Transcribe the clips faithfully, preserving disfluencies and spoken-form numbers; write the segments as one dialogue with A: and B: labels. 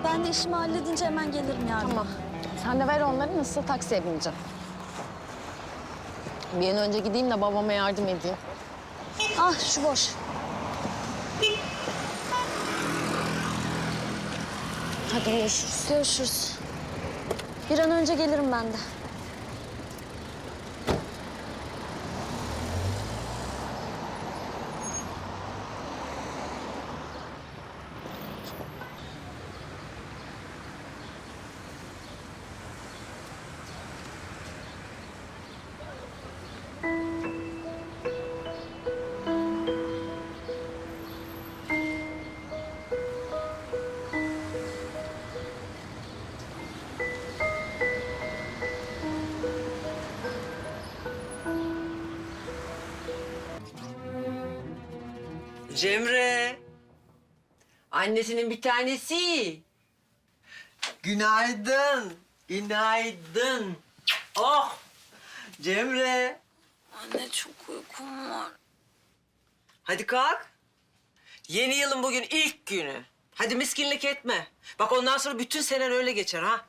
A: Ben de işimi halledince hemen gelirim yarın.
B: Tamam. Sen de ver onları, nasıl taksiye bineceğim. Bir an önce gideyim de babama yardım edeyim.
A: Ah şu boş.
B: Hadi görüşürüz.
A: Görüşürüz. Bir an önce gelirim ben de.
C: Cemre. Annesinin bir tanesi. Günaydın. Günaydın. Oh. Cemre.
A: Anne çok uykum var.
C: Hadi kalk. Yeni yılın bugün ilk günü. Hadi miskinlik etme. Bak ondan sonra bütün senen öyle geçer ha.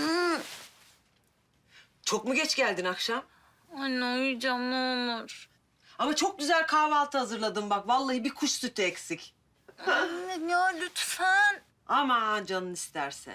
C: Çok mu geç geldin akşam?
A: Anne uyuyacağım ne olur.
C: Ama çok güzel kahvaltı hazırladım bak. Vallahi bir kuş sütü eksik.
A: Anne ya lütfen.
C: Aman canın isterse.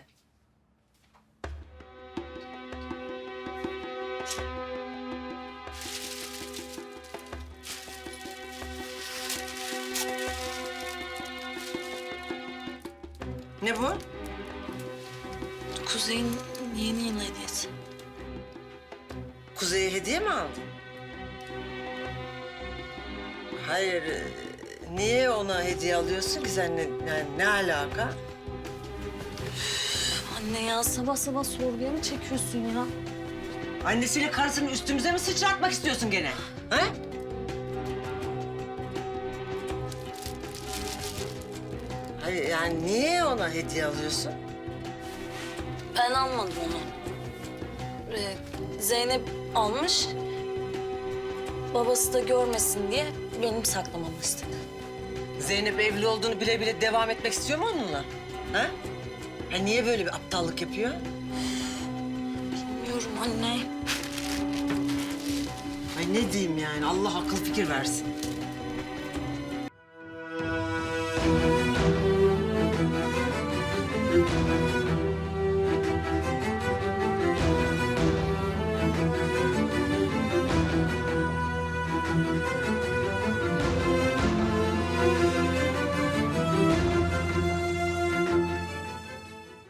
C: Ne bu?
A: Kuzey'in yeni yıl hediyesi.
C: Kuzey'e hediye mi aldın? Hayır, e, niye ona hediye alıyorsun ki sen? Ne, yani ne alaka?
A: Anne ya sabah sabah sorguya mı çekiyorsun ya?
C: Annesiyle karısını üstümüze mi sıçratmak istiyorsun gene? Ha? Hayır, yani niye ona hediye alıyorsun?
A: Ben almadım onu. Ee, Zeynep almış. Babası da görmesin diye benim saklamamı istedi.
C: Zeynep evli olduğunu bile bile devam etmek istiyor mu onunla? Ha? Ha niye böyle bir aptallık yapıyor?
A: Bilmiyorum anne.
C: Ay ne diyeyim yani, Allah akıl fikir versin.